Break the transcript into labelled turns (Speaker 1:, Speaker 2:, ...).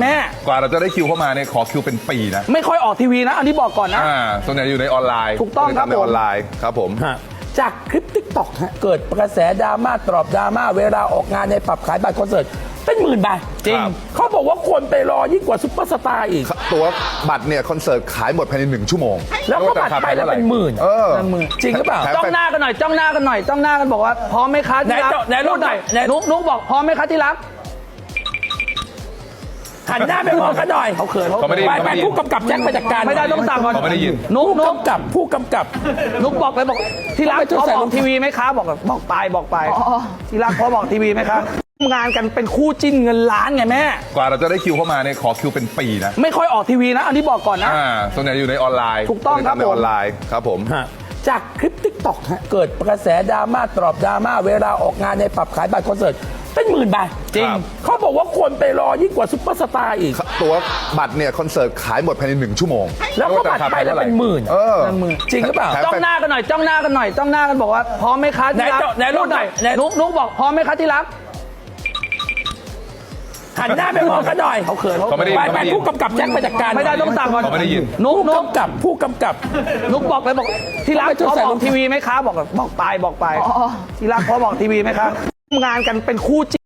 Speaker 1: ม่
Speaker 2: กว่าเราจะได้คิวเข้ามาเนี่ยขอคิวเป็นปีนะ
Speaker 1: ไม่ค่อยออกทีวีนะอันนี้บอกก่อนนะ
Speaker 2: ส่วนใหญ่อยู่ในออนไลน์
Speaker 1: ถูกต้องครับ
Speaker 2: ในออนไลน์ครับผม
Speaker 1: จากคลิป TikTok เกิดกระแสดราม่าตอบดราม่าเวลาออกงานในปรับขายบัตรคอนเสิร์ตเป็นหมื่นใบจริงเขาบอกว่าคนไปรอยิ่งกว่าซุปเปอร์สตาร์อีก
Speaker 2: ตัวบัตรเนี่ยคอนเสิร์ตขายหมดภายใน1 ชั่วโมง
Speaker 1: แล้วก็บัตรไปแล้วเป็นหมื่นจริงหรือเปล่าจ้องหน้ากันหน่อยจ้องหน้ากันหน่อยจ้องหน้ากันบอกว่าพร้อมไหมคะที่รักไหนรูปหน่อยนุ๊กบอกพร้อมไหมคะที่รักหันหน้าไปมองกันหน่อยเขาเขินไปผู้กำกับแจ็คไปจัดการไม่ได้ต้องสั่งก่อน
Speaker 2: เขาไม่ได้ยิน
Speaker 1: นุ๊กผู้กำกับนุ๊กบอกเลยบอกที่รักพอบอกทีวีไหมคะบอกไปที่รักพอบอกทีวีไหมคะงานกันเป็นคู่จิ้นเงินล้านไงแม่
Speaker 2: กว่าเราจะได้คิวเข้ามาเนี่ยขอคิวเป็นปีนะ
Speaker 1: ไม่ค่อยออกทีวีนะอันนี้บอกก่อนนะ
Speaker 2: ส่วนใหญ่อยู่ในออนไลน์
Speaker 1: ถูกต้องครับ
Speaker 2: ในออนไลน์ครับผม
Speaker 1: จากคลิป TikTok เกิดกระแสดราม่าตอบดราม่าเวลาออกงานในปรับขายบัตรคอนเสิร์ตเป็นหมื่นใบจริงเขาบอกว่าคนไปรอยิ่งกว่าซุปเปอร์สตาร์อีก
Speaker 2: ตัวบัตรเนี่ยคอนเสิร์ตขายหมดภายใน1 ชั่วโมง
Speaker 1: แล้วก็บัตรไปแล้วเป็นหมื่นจริงหรือเปล่าจ้องหน้ากันหน่อยจ้องหน้ากันหน่อยจ้องหน้ากันบอกว่าพร้อมไหมคะที่รักไหนรูปหน่อยนุ๊กบอกพร้อมไหมคะที่รักหันหน้าไปมองกันหน่อยเขาเขินไปผู้กำกับแจ็คไปจัดการไม่ได้ต้องสั่งก่อน
Speaker 2: เขาไม่ได้ยิน
Speaker 1: นุ๊กผู้กำกับนุ๊กบอกเลยบอกที่รักพอบอกทีวีไหมคะบอกไปที่รักพอบอกทีวีไหมคะงานกันเป็นคู่